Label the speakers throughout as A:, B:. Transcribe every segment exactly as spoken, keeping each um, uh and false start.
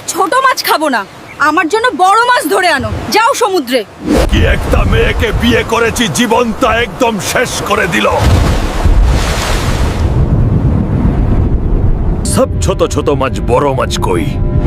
A: ছোট মাছ খাবো না, আমার জন্য বড় মাছ ধরে আনো। যাও সমুদ্রে।
B: কি একটা মেয়েকে বিয়ে করেছি, জীবনটা একদম শেষ করে দিল। সব ছোট ছোট মাছ, বড় মাছ কই?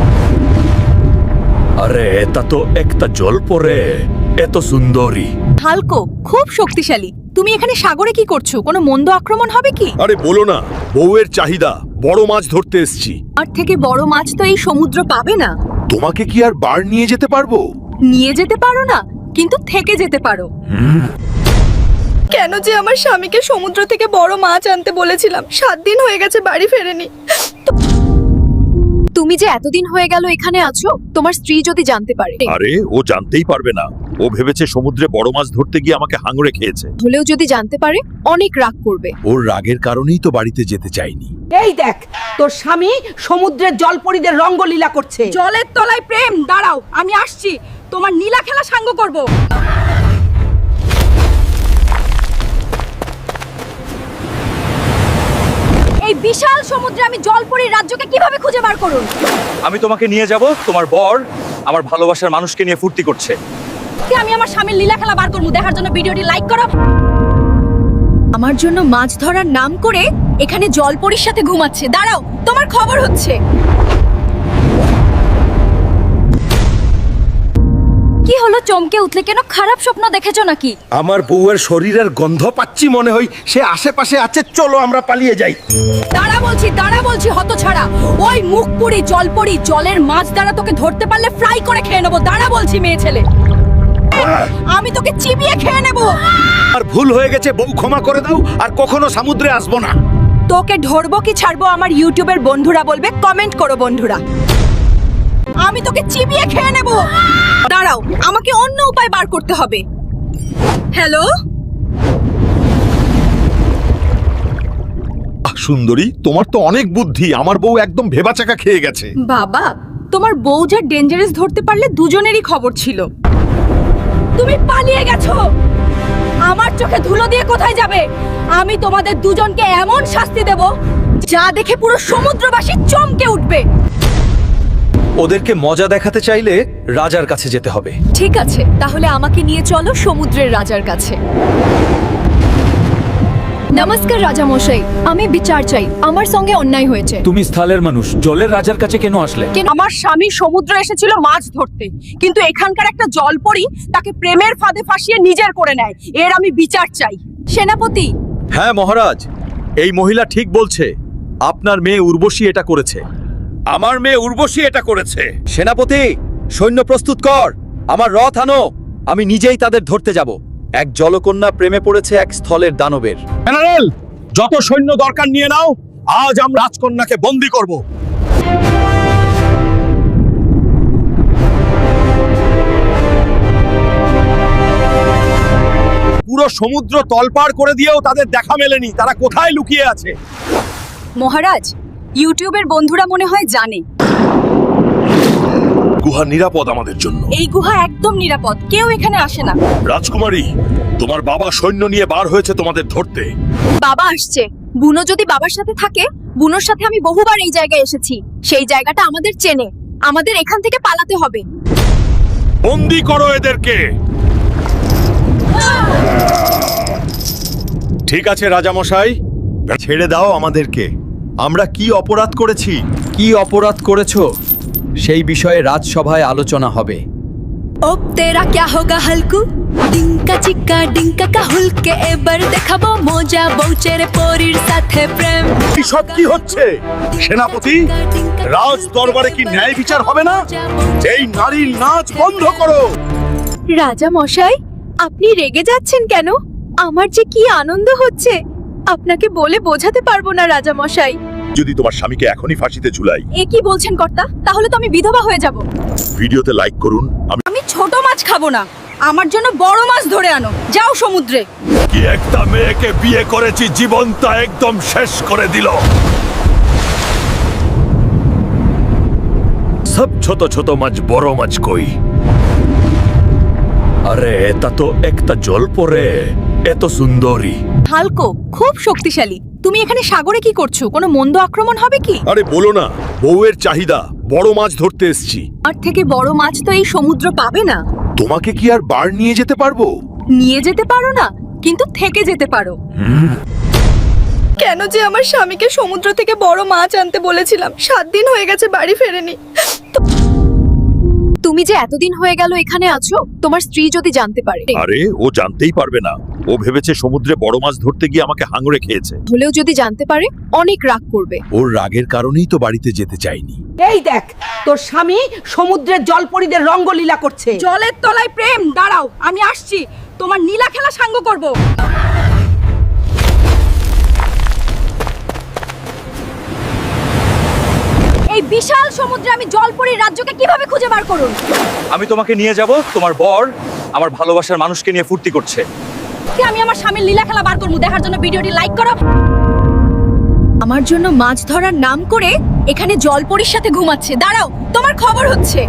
B: আরে এটা তো একটা জল পরে এত সুন্দরী।
A: হালকো খুব শক্তিশালী। তুমি এখানে সাগরে কি করছো? কোনো মন্দ আক্রমণ হবে কি?
B: আরে বলো না, বউয়ের চাহিদা, বড় মাছ ধরতে এসেছি।
A: আর থেকে বড় মাছ তো এই সমুদ্র পাবে না।
B: তোমাকে কি আর বার নিয়ে যেতে পারবো?
A: নিয়ে যেতে পারো না, কিন্তু থেকে যেতে পারো। কেন যে আমার স্বামীকে সমুদ্র থেকে বড় মাছ আনতে বলেছিলাম, সাত দিন হয়ে গেছে বাড়ি ফেরেনি। তুমি যে এতদিন হয়ে গেল এখানে আছো, তোমার স্ত্রী যদি জানতে পারে।
B: আরে ও জানতেই পারবে না, ও ভেবেছে সমুদ্রে বড় মাছ ধরতে গিয়ে আমাকে হাঙড়ে খেয়েছে।
A: হলেও যদি জানতে পারে অনেক রাগ করবে।
B: ওর রাগের কারণেই তো বাড়িতে যেতে চাইনি।
C: এই দেখ, তোর স্বামী সমুদ্রের জলপরীদের রঙ্গলীলা করছে।
A: জলের তলায় প্রেম। দাঁড়াও, আমি আসছি, তোমার নীলা খেলা সাঙ্গ করব। এই বিশাল সমুদ্রে আমি জলপরীর রাজ্যকে কিভাবে খুঁজে বার করুন?
D: আমি তোমাকে নিয়ে যাব, তোমার বর আমার ভালোবাসার মানুষকে নিয়ে ফুর্তি করছে।
A: আমি আমার স্বামীর লীলা খেলা বার করবো, দেখার জন্য ভিডিওটি লাইক করো। আমার জন্য মাছ ধরার নাম করে এখানে জলপরীর সাথে ঘুমাচ্ছে। দাঁড়াও, তোমার খবর হচ্ছে। কি হলো, চমকে উঠলে কেন? খারাপ স্বপ্ন দেখেছো নাকি?
E: আমার বউয়ের শরীরের গন্ধ পাচ্ছি, মনে হয় সে আশেপাশে আছে। চলো আমরা পালিয়ে যাই।
A: দাঁড়া বলছি, দাঁড়া বলছি হতছাড়া। ওই মুখপুরি জলপরি জলের মাছ দ্বারা তোকে ধরতে পারলে ফ্রাই করে খেয়ে নেবো। দাঁড়া বলছি মেয়ে ছেলে, আমি তোকে চিবিয়ে খেয়ে নেবো।
E: আর ভুল হয়ে গেছে, বউ ক্ষমা করে দাও, আর কখনো সমুদ্রে আসবো না।
A: তোকে ধরবো কি ছাড়বো আমার ইউটিউবের বন্ধুরা বলবে, কমেন্ট করো বন্ধুরা। আমি তোকে চিবিয়ে খেয়ে নেব। দাঁড়াও, আমাকে অন্য উপায় বার করতে হবে। হ্যালো
B: সুন্দরী, তোমার তো অনেক বুদ্ধি। আমার বউ একদম ভেবাচাকা খেয়ে গেছে।
A: বাবা, তোমার বউ যা ডেঞ্জারাস ধরতে পারলে দুজনেরই খবর ছিল। তুমি পালিয়ে গেছো। আমার চোখে ধুলো দিয়ে কোথায় যাবে? আমি তোমাদের দুজনকে এমন শাস্তি দেব যা দেখে পুরো সমুদ্রবাসী চমকে উঠবে।
D: ওদেরকে মজা দেখাতে চাইলে রাজার কাছে যেতে হবে।
A: ঠিক আছে, তাহলে আমাকে নিয়ে চলো সমুদ্রের রাজার কাছে। নমস্কার রাজা মশাই, আমি বিচার চাই। আমার সঙ্গে অন্যায় হয়েছে।
F: তুমি স্থলের মানুষ, জলের রাজার কাছে কেন আসলে?
A: কেন? আমার স্বামী সমুদ্রে এসেছিল মাছ ধরতে, কিন্তু এখানকার একটা জলপরী তাকে প্রেমের ফাঁদে ফাঁসিয়ে নিজের করে নেয়। এর আমি বিচার চাই। সেনাপতি।
D: হ্যাঁ মহারাজ, এই মহিলা ঠিক বলছে। আপনার মেয়ে উর্বশী এটা করেছে।
B: আমার মেয়ে উর্বশী এটা করেছে।
D: সেনাপতি, সৈন্য প্রস্তুত কর, আমার রথ আনো। আমি নিজেই তাদের ধরতে যাব। এক জলকন্যা প্রেমে পড়েছে এক স্থলের দানবের।
B: জেনারেল, যত সৈন্য দরকার নিয়ে নাও। আজ আমরা রাজকন্যাকে বন্দী করব। পুরো সমুদ্র তলপাড় করে দিয়েও তাদের দেখা মেলেনি। তারা কোথায় লুকিয়ে আছে?
A: মহারাজ, ইউটিউবের বন্ধুরা মনে হয় জানে
B: গুহা নিরাপদ আমাদের জন্য।
A: এই গুহা একদম নিরাপদ, কেউ এখানে আসে না।
B: রাজকুমারী, তোমার বাবা সৈন্য নিয়ে বার হয়েছে তোমাদের ধরতে।
A: বাবা আসছে। বুনো যদি বাবার সাথে থাকে, বুনোর সাথে আমি বহুবার এই জায়গায় এসেছি। সেই জায়গাটা আমাদের চেনে। আমাদের এখান থেকে পালাতে হবে।
B: বন্দী করো এদেরকে। ঠিক আছে রাজামশাই, ছেড়ে দাও আমাদেরকে। আমরা কি অপরাধ করেছি?
D: কি অপরাধ করেছো সেই বিষয়ে রাজসভায় আলোচনা হবে।
A: ও তেরা ক্যা হোগা হালকু, ডিঙ্কা চিক্কা ডিঙ্কা কাহুলকে এবার দেখাবো মজা বউচের পরীর সাথে প্রেম।
B: সব কি হচ্ছে? সেনাপতি, রাজ দরবারে কি ন্যায় বিচার হবে না? এই নারীর নাচ বন্ধ করো।
A: রাজা মশাই, আপনি রেগে যাচ্ছেন কেন? আমার যে কি আনন্দ হচ্ছে, আপনাকে বলে বোঝাতে পারবো না রাজা মশাই।
B: যদি তোমার স্বামীকে এখনই ফাঁসিতে ঝুলাই।
A: এ কি বলছেন কর্তা? তাহলে তো আমি বিধবা হয়ে যাব।
B: ভিডিওতে লাইক করুন। আমি
A: আমি ছোট মাছ খাবো না, আমার জন্য বড় মাছ ধরে আনো। যাও সমুদ্রে।
B: কি একটা মেয়েকে বিয়ে করেছি, জীবনটা একদম শেষ করে দিল। সব ছোট ছোট মাছ, বড় মাছ কই? আরে এটা তো একটা জল পরে এত সুন্দরী।
A: হালকো খুব শক্তিশালী। তুমি এখানে সাগরে কি করছো? কোনো মন্দ আক্রমণ হবে কি?
B: আরে বলো না, বউয়ের চাহিদা, বড় মাছ ধরতে এসেছি।
A: আর থেকে বড় মাছ তো এই সমুদ্র পাবে না।
B: তোমাকে কি আর বার নিয়ে যেতে পারবো?
A: নিয়ে যেতে পারো না, কিন্তু থেকে যেতে পারো। কেন যে আমার স্বামীকে সমুদ্র থেকে বড় মাছ আনতে বলেছিলাম, সাত দিন হয়ে গেছে বাড়ি ফেরেনি। তুমি যে এতদিন হয়ে গেল এখানে আছো, তোমার স্ত্রী যদি জানতে পারে।
B: আরে ও জানতেই পারবে না। ও ভেবেছে সমুদ্রে বড় মাছ ধরতে গিয়ে আমাকে হাঙড়ে খেয়েছে।
A: হলেও যদি জানতে পারে অনেক রাগ করবে।
B: ওর রাগের কারণেই তো বাড়িতে যেতে চাইনি।
C: এই দেখ, তোর স্বামী সমুদ্রের জলপরীদের রঙ্গলীলা করছে।
A: জলের তলায় প্রেম, দাঁড়াও আমি আসছি, তোমার নীলা খেলা সাঙ্গ করব। এই বিশাল সমুদ্রে আমি জলপরীর রাজ্যকে কিভাবে খুঁজে বার করুন?
D: আমি তোমাকে নিয়ে যাব। তোমার বর আমার ভালোবাসার মানুষকে নিয়ে ফুর্তি করছে।
A: কি আমি আমার স্বামীর লীলা খেলা বার করবো? দেখার জন্য ভিডিওটি লাইক করো। আমার জন্য মাছ ধরার নাম করে এখানে জলপরীর সাথে ঘুমাচ্ছে। দাঁড়াও, তোমার খবর হচ্ছে।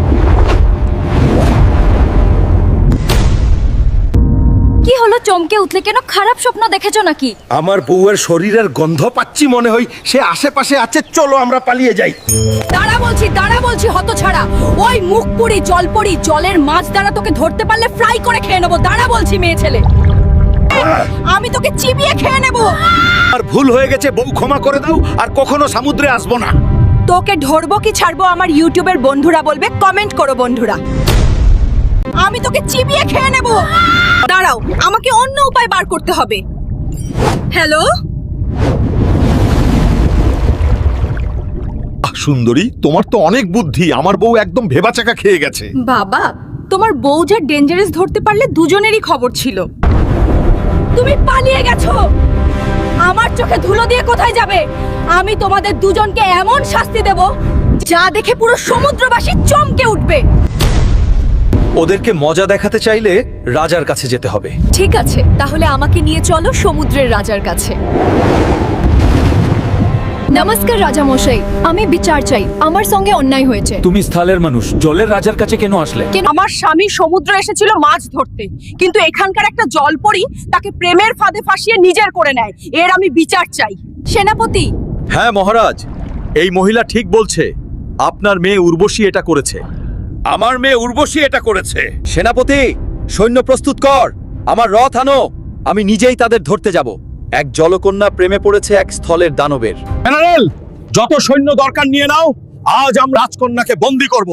A: কি হলো, চমকে উঠলে কেন? খারাপ স্বপ্ন দেখেছো নাকি?
E: আমার বউয়ের শরীরের গন্ধ পাচ্ছি, মনে হয় সে আশেপাশে আছে, চলো আমরা পালিয়ে যাই।
A: দাঁড়া বলছি, দাঁড়া বলছি হতছাড়া। ওই মুখপুরি জলপরি জলের মাছ দ্বারা তোকে ধরতে পারলে ফ্রাই করে খেয়ে নেবো। দাঁড়া বলছি মেয়ে ছেলে, আমি তোকে চিবিয়ে খেয়ে নেবো।
E: আর ভুল হয়ে গেছে, বউ ক্ষমা করে দাও, আর কখনো সমুদ্রে আসবো না।
A: তোকে ধরবো কি ছাড়বো আমার ইউটিউবের বন্ধুরা বলবে, কমেন্ট করো বন্ধুরা। আমি তোকে চিবিয়ে খেয়ে নেব। দাঁড়াও, আমাকে অন্য উপায় বার করতে হবে। হ্যালো
B: সুন্দরী, তোমার তো অনেক বুদ্ধি। আমার বউ একদম ভেবাচাকা খেয়ে গেছে।
A: বাবা, তোমার বউ যা ডেঞ্জারাস ধরতে পারলে দুজনেরই খবর ছিল। তুমি পালিয়ে গেছো। আমার চোখে ধুলো দিয়ে কোথায় যাবে? আমি তোমাদের দুজনকে এমন শাস্তি দেব যা দেখে পুরো সমুদ্রবাসী চমকে উঠবে।
D: ওদেরকে মজা দেখাতে চাইলে রাজার কাছে যেতে হবে।
A: ঠিক আছে, তাহলে আমাকে নিয়ে চলো সমুদ্রের রাজার কাছে। নমস্কার রাজা মশাই, আমি বিচার চাই। আমার সঙ্গে অন্যায় হয়েছে।
F: তুমি স্থলের মানুষ, জলের রাজার কাছে কেন আসলে?
A: কেন? আমার স্বামী সমুদ্রে এসেছিল মাছ ধরতে, কিন্তু এখানকার একটা জলপরী তাকে প্রেমের ফাঁদে ফাঁসিয়ে নিজের করে নেয়। এর আমি বিচার চাই। সেনাপতি।
D: হ্যাঁ মহারাজ, এই মহিলা ঠিক বলছে। আপনার মেয়ে উর্বশী এটা করেছে।
B: আমার মেয়ে উর্বশী এটা করেছে।
D: সেনাপতি, সৈন্য প্রস্তুত কর। আমার রথ আনো। আমি নিজেই তাদের ধরতে যাব। এক জলকন্যা প্রেমে পড়েছে এক স্থলের দানবের।
B: জেনারেল, যত সৈন্য দরকার নিয়ে নাও। আজ আমরা রাজকন্যাকে বন্দী করব।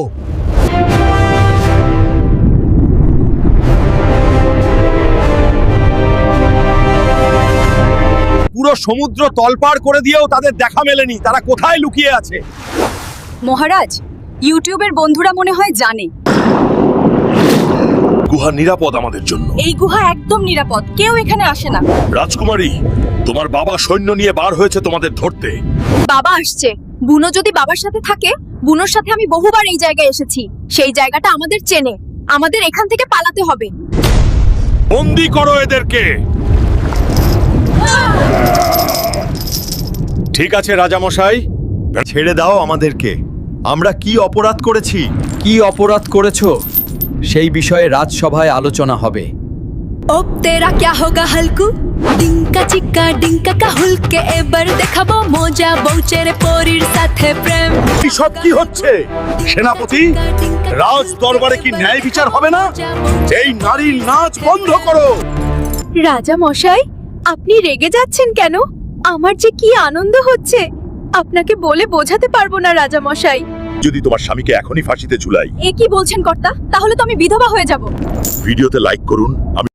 B: পুরো সমুদ্র তলপাড় করে দিয়েও তাদের দেখা মেলেনি। তারা কোথায় লুকিয়ে আছে?
A: মহারাজ, ইউটিউবের বন্ধুরা মনে হয় জানে
B: গুহা নিরাপদ আমাদের জন্য।
A: এই গুহা একদম নিরাপদ, কেউ এখানে আসে না।
B: রাজকুমারী, তোমার বাবা সৈন্য নিয়ে বার হয়েছে তোমাদের ধরতে।
A: বাবা আসছে। বুনো যদি বাবার সাথে থাকে, বুনোর সাথে আমি বহুবার এই জায়গায় এসেছি। সেই জায়গাটা আমাদের চেনে। আমাদের এখান থেকে পালাতে হবে।
B: বন্দী করো এদেরকে। ঠিক আছে রাজামশাই, ছেড়ে দাও আমাদেরকে। আমরা কি অপরাধ করেছি?
D: কি অপরাধ করেছো সেই বিষয়ে রাজসভায় আলোচনা হবে।
A: ওপ তেরা ক্যা হোগা হালকু, ডিঙ্কা চিক্কা ডিঙ্কা কা হুলকে এবার দেখাবো মজা বউচের পরীর সাথে প্রেম।
B: এসব কি হচ্ছে? সেনাপতি, রাজ দরবারে কি ন্যায় বিচার হবে না? এই নারীর নাচ বন্ধ করো।
A: রাজা মশাই, আপনি রেগে যাচ্ছেন কেন? আমার যে কি আনন্দ হচ্ছে, আপনাকে বলে বোঝাতে পারবো না রাজা মশাই।
B: যদি তোমার স্বামীকে এখনই ফাঁসিতে ঝুলাই।
A: এ কি বলছেন কর্তা? তাহলে তো আমি বিধবা হয়ে যাব।
B: ভিডিওতে লাইক করুন। আমি